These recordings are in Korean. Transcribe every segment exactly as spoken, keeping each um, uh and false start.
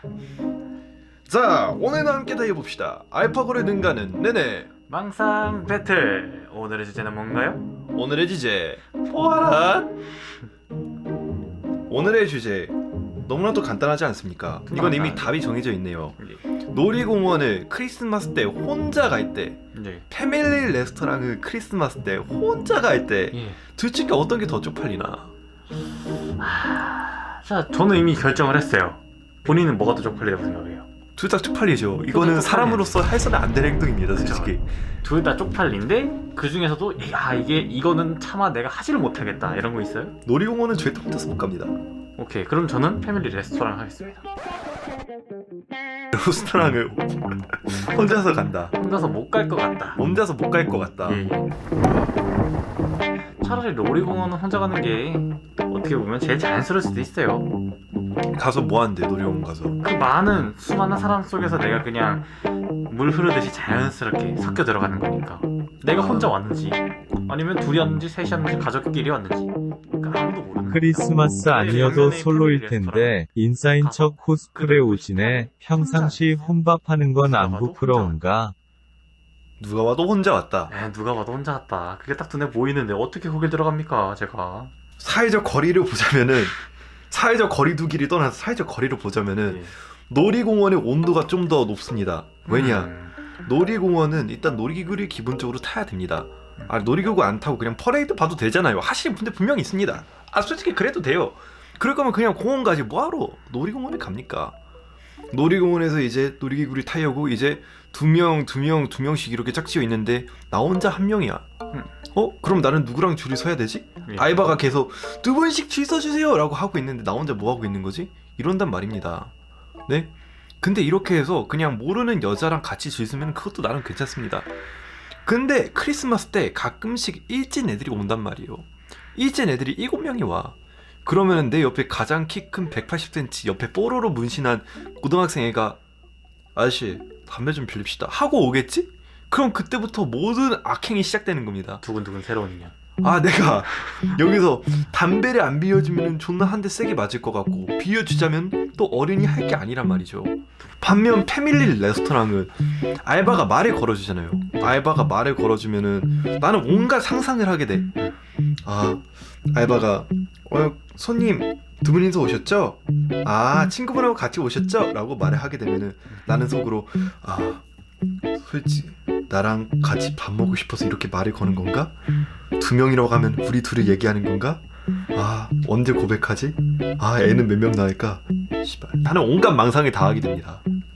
자, 오늘은 함께 다해봅시다. 알파고를 능가하는 네네. 망상 배틀. 오늘의 주제는 뭔가요? 오늘의 주제 포화랏. 오늘의 주제 너무나도 간단하지 않습니까? 이건 이미 답이 정해져 있네요. 예. 놀이공원을 크리스마스 때 혼자 갈 때, 예. 패밀리 레스토랑을 크리스마스 때 혼자 갈 때, 예. 둘 중에 어떤 게 더 쪽팔리나? 하... 자, 저는 이미 결정을 했어요. 본인은 뭐가 더 쪽팔리다고 생각해요? 둘 다 쪽팔리죠. 이거는 쪽팔려요. 사람으로서 해서는 안 될 행동입니다, 솔직히. 둘 다 쪽팔린데 그 중에서도 야 이게 이거는 차마 내가 하지를 못하겠다 이런 거 있어요? 놀이공원은 절대 혼자서 못 갑니다. 오케이, 그럼 저는 패밀리 레스토랑 하겠습니다. 레스토랑을 혼자서 간다. 혼자서 못 갈 것 같다. 혼자서 못 갈 것 같다. 예, 예. 차라리 놀이공원은 혼자 가는 게 어떻게 보면 제일 자연스러울 수도 있어요. 가서 뭐 하는데 놀이공원 가서? 그 많은 수많은 사람 속에서 내가 그냥 물 흐르듯이 자연스럽게 섞여 들어가는 거니까 내가 혼자 왔는지 아니면 둘이 왔는지 셋이 왔는지 가족끼리 왔는지 그러니까 아무도 모르는 크리스마스 거야. 아니어도 네, 솔로일 패밀리 텐데 인싸인 척 코스프레 오지네. 평상시 혼밥하는 건 안 부끄러운가? 누가 와도 혼자 왔다. 에, 누가 봐도 혼자 왔다. 그게 딱 눈에 보이는데 어떻게 거길 들어갑니까 제가. 사회적 거리를 보자면은 사회적 거리 두기를 떠나서 사회적 거리를 보자면은 예. 놀이공원의 온도가 좀 더 높습니다. 왜냐? 음. 놀이공원은 일단 놀이기구를 기본적으로 타야 됩니다. 아, 놀이기구 안 타고 그냥 퍼레이드 봐도 되잖아요. 하시는 분들 분명히 있습니다. 아, 솔직히 그래도 돼요. 그럴 거면 그냥 공원 가지 뭐하러 놀이공원에 갑니까? 놀이공원에서 이제 놀이기구를 타려고 이제 두 명, 두 명, 두 명씩 이렇게 짝지어 있는데 나 혼자 한 명이야. 음. 어? 그럼 나는 누구랑 줄을 서야 되지? 예. 알바가 계속 두 분씩 줄 서주세요 라고 하고 있는데 나 혼자 뭐 하고 있는 거지? 이런단 말입니다. 네? 근데 이렇게 해서 그냥 모르는 여자랑 같이 줄 서면 그것도 나름 괜찮습니다. 근데 크리스마스 때 가끔씩 일진 애들이 온단 말이에요. 일진 애들이 일곱 명이 와. 그러면은 내 옆에 가장 키 큰 백팔십 센티미터 옆에 뽀로로 문신한 고등학생 애가 아저씨 담배 좀 빌립시다 하고 오겠지? 그럼 그때부터 모든 악행이 시작되는 겁니다. 두근두근 새로운 인연. 아, 내가 여기서 담배를 안 비워주면 존나 한 대 세게 맞을 것 같고 비워주자면 또 어른이 할 게 아니란 말이죠. 반면 패밀리 레스토랑은 알바가 말을 걸어주잖아요. 알바가 말을 걸어주면은 나는 온갖 상상을 하게 돼. 아, 알바가 어, 손님 두 분이서 오셨죠? 아, 친구분하고 같이 오셨죠? 라고 말을 하게 되면은 나는 속으로 아, 솔직히 나랑 같이 밥 먹고 싶어서 이렇게 말을 거는 건가? 두 명이라고 하면 우리 둘이 얘기하는 건가? 아, 언제 고백하지? 아, 애는 몇 명 낳을까? 씨발, 나는 온갖 망상을 다 하게 됩니다.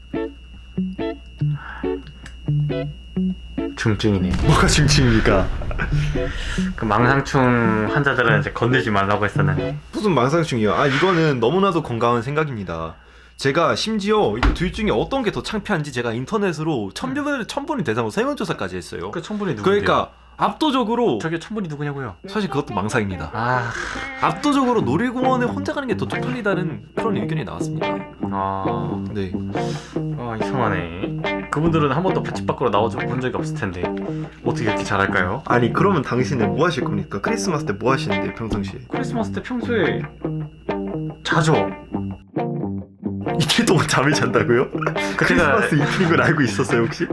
중증이네. 뭐가 중증입니까? 그 망상충 환자들은 이제 건들지 말라고 했었는데. 무슨 망상충이야? 아, 이거는 너무나도 건강한 생각입니다. 제가 심지어 이 둘 중에 어떤 게 더 창피한지 제가 인터넷으로 천분을 천분이 대상으로 설문조사까지 했어요. 그 천분이 누구예요? 그러니까 압도적으로 저게 천분이 누구냐고요? 사실 그것도 망상입니다. 아, 압도적으로 놀이공원에 혼자 가는 게 더 쪽팔리다는 그런 의견이 나왔습니다. 아, 네. 아 이상하네. 그분들은 한 번도 집 밖으로 나와서 본 적이 없을 텐데 어떻게 이렇게 잘할까요? 아니, 그러면 당신은 뭐 하실 겁니까? 크리스마스 때 뭐 하시는데 평상시에? 크리스마스 때 평소에 자죠. 이틀 동안 잠을 잔다고요? 그때가 크리스마스 이틀인 걸 알고 있었어요 혹시?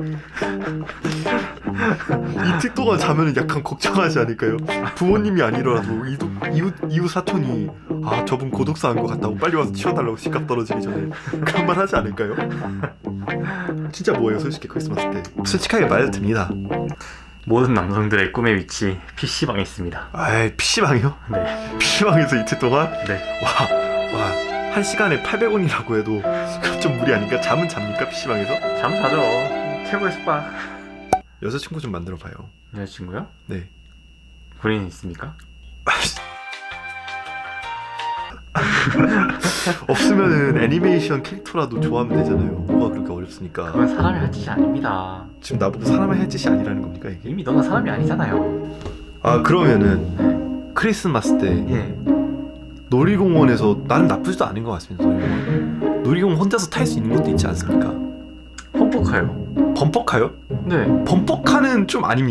이틀 동안 자면은 약간 걱정하지 않을까요? 부모님이 아니더라도 이웃, 이웃, 이웃 사촌이 아, 저분 고독사한 것 같다고 빨리 와서 치워달라고 집값 떨어지기 전에 그런 말 하지 않을까요? 진짜 뭐예요 솔직히 크리스마스 때? 솔직하게 말해듭니다. 모든 남성들의 꿈의 위치 피시방에 있습니다. 아이, 피시방이요? 네, 피시방에서 이틀 동안? 네. 와, 와, 한 시간에 팔백 원이라고 해도 그럼 좀 무리 아닌가? 잠은 잡니까 피시방에서? 잠 자죠. 최고의 숙박. 여자친구 좀 만들어봐요. 여자친구요? 네. 본인 있습니까? 없으면은 애니메이션 캐릭터라도 좋아하면 되잖아요. 뭐가 그렇게 어렵습니까? 그건 사람이 할 짓이 아닙니다. 지금 나보고 사람을 할 짓이 아니라는 겁니까 이게? 이미 너는 사람이 아니잖아요. 아, 그러면은 크리스마스 때 예. 놀이공원에서 나는 나쁘지도 않은 것 같습니다. 놀이공원. 놀이공원 혼자서 탈 수 있는 것도 있지 않습니까? pompo카요. 범퍼카요? 네. 범퍼카는 좀 아닙니다.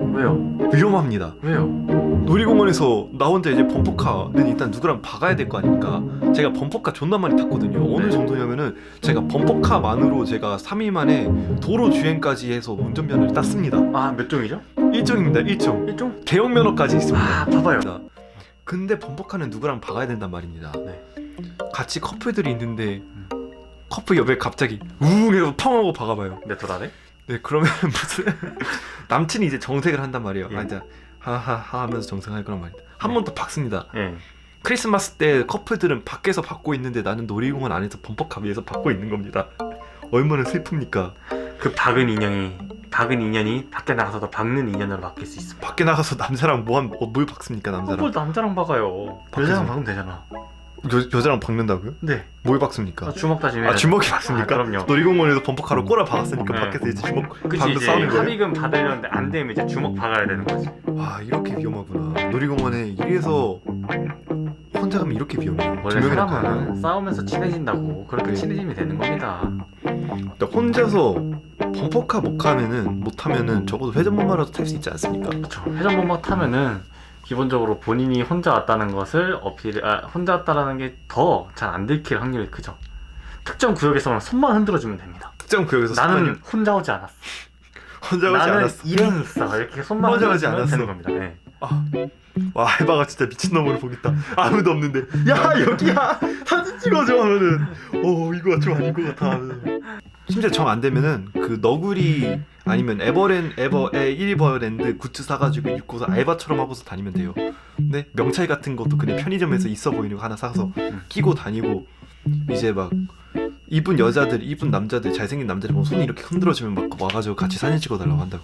왜요? 위험합니다. 왜요? 놀이공원에서 나 혼자 이제 범퍼카는 일단 누구랑 박아야 될 거 아닙니까? 제가 범퍼카 존나 많이 탔거든요. 어느 네. 정도냐면은 제가 범퍼카만으로 제가 삼 일 만에 도로 주행까지 해서 운전면허를 땄습니다. 아, 몇 종이죠? 일종입니다. 일종. 일종? 대형 면허까지 있습니다. 아, 봐봐요. 근데 범퍼카는 누구랑 박아야 된단 말입니다. 네. 같이 커플들이 있는데 커플 옆에 갑자기 우웅 해서 펑 하고 박아봐요. 내 돌아래? 네, 그러면 무슨 남친이 이제 정색을 한단 말이에요. 예. 아, 이제 하하하 하면서 정색할 거란 말이다. 한 예. 번 더 박습니다. 예. 크리스마스 때 커플들은 밖에서 받고 있는데 나는 놀이공원 안에서 범퍼카 위에서 받고 있는 겁니다. 얼마나 슬픕니까? 그 박은 인형이 박은 인연이 밖에 나가서도 박는 인연으로 바뀔 수 있습니다. 밖에 나가서 남자랑 뭐한 어, 뭘 박습니까 남자랑? 뭘 남자랑 박아요? 박히지. 여자랑 박으면 되잖아. 여, 여자랑 박는다고요? 네. 뭘 박습니까? 아, 주먹 다짐해. 아 주먹이 박습니까? 아, 그럼요. 놀이공원에서 범퍼카로 꼬라 박았으니까 네. 밖에서 이제 주먹 그치 방금 이제 싸우는 거예요? 합의금 받으려는데 안 되면 이제 주먹 박아야 되는 거지. 와 이렇게 위험하구나. 놀이공원에 이래서 혼자 가면 이렇게 위험해요. 두 원래 명이랑 사람은 가면. 싸우면서 친해진다고 그렇게 네. 친해지면 되는 겁니다. 근데 혼자서 범퍼카 못 가면은 못 타면은 적어도 회전목마라도 탈 수 있지 않습니까? 그렇죠. 회전목마 타면은 기본적으로 본인이 혼자 왔다는 것을 어필, 아 혼자 왔다라는 게 더 잘 안 들킬 확률이 크죠. 특정 구역에서는 손만 흔들어주면 됩니다. 특정 구역에서 나는 손만- 혼자 오지 않았어. 혼자 오지 나는 않았어. 일행이 있어. 이렇게 손만 혼자 오지 흔들어주면 않았어. 되는 겁니다. 네. 아, 와 알바가 진짜 미친놈으로 보겠다. 아무도 없는데 야 여기야 사진 찍어줘 하면은 어 이거 좀 아닌 것 같아 하면은. 심지어 정 안 되면은 그 너구리 아니면 에버랜 에버 에 일버랜드 굿즈 사가지고 입고서 알바처럼 하고서 다니면 돼요. 근데 명찰 같은 것도 그냥 편의점에서 있어 보이는 거 하나 사서 끼고 다니고 이제 막 이쁜 여자들 이쁜 남자들 잘생긴 남자들 보면 손이 이렇게 흔들어주면 막 와가지고 같이 사진 찍어달라고 한다고.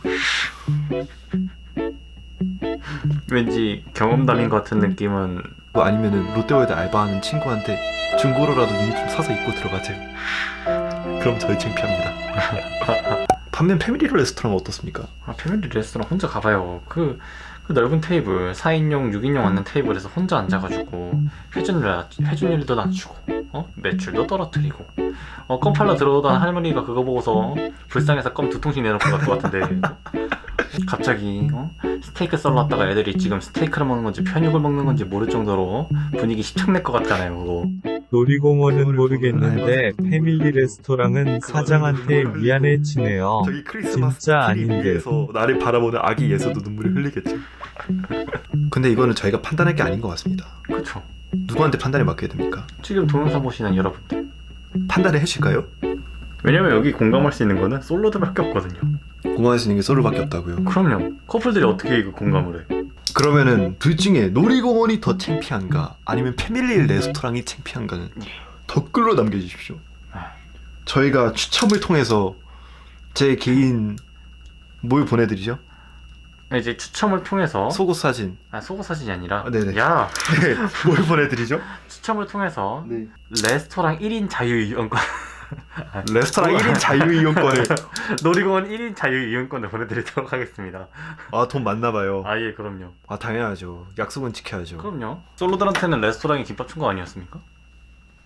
왠지 경험담인 것 같은 느낌은 뭐 아니면은 롯데월드 알바하는 친구한테 중고로라도 유니폼 사서 입고 들어가세요. 그럼 저희 창피합니다. 반면 패밀리 레스토랑은 어떻습니까? 아, 패밀리 레스토랑 혼자 가봐요. 그, 그 넓은 테이블 사 인용, 육 인용 앉는 테이블에서 혼자 앉아가지고 회전율, 회전율도 낮추고 어? 매출도 떨어뜨리고 어, 껌 팔러 들어오던 할머니가 그거 보고서 불쌍해서 껌 두 통씩 내놓고 갈 것 같은데 갑자기 어? 스테이크 썰러 왔다가 애들이 지금 스테이크를 먹는 건지 편육을 먹는 건지 모를 정도로 분위기 십창낼 것 같잖아요 그거. 놀이공원은 모르겠는데 패밀리 레스토랑은 사장한테 미안해지네요. 저기 크리스마스 진짜 트리 아닌데. 위에서 나를 바라보는 아기 예서도 눈물을 흘리겠죠. 근데 이거는 저희가 판단할 게 아닌 것 같습니다. 그쵸. 누구한테 판단을 맡겨야 됩니까? 지금 동영상 보시는 여러분들 판단을 해주실까요? 왜냐면 여기 공감할 수 있는 거는 솔로들밖에 없거든요. 공감할 수 있는 게 솔로밖에 없다고요. 그럼요. 커플들이 어떻게 이거 공감을 해? 그러면은 둘 중에 놀이공원이 더 창피한가 아니면 패밀리 레스토랑이 창피한가는 댓글로 남겨주십시오. 저희가 추첨을 통해서 제 개인 뭘 보내드리죠? 이제 추첨을 통해서 속옷 사진. 아 속옷 사진이 아니라 아, 네네. 야 네, 뭘 보내드리죠? 추첨을 통해서 네. 레스토랑 일 인 자유이용권 레스토랑 일 인 자유이용권을. 놀이공원 일 인 자유이용권을 보내드리도록 하겠습니다. 아, 돈 많나봐요. 아 예 그럼요. 아, 당연하죠. 약속은 지켜야죠. 그럼요. 솔로들한테는 레스토랑이 김밥 춘 거 아니었습니까?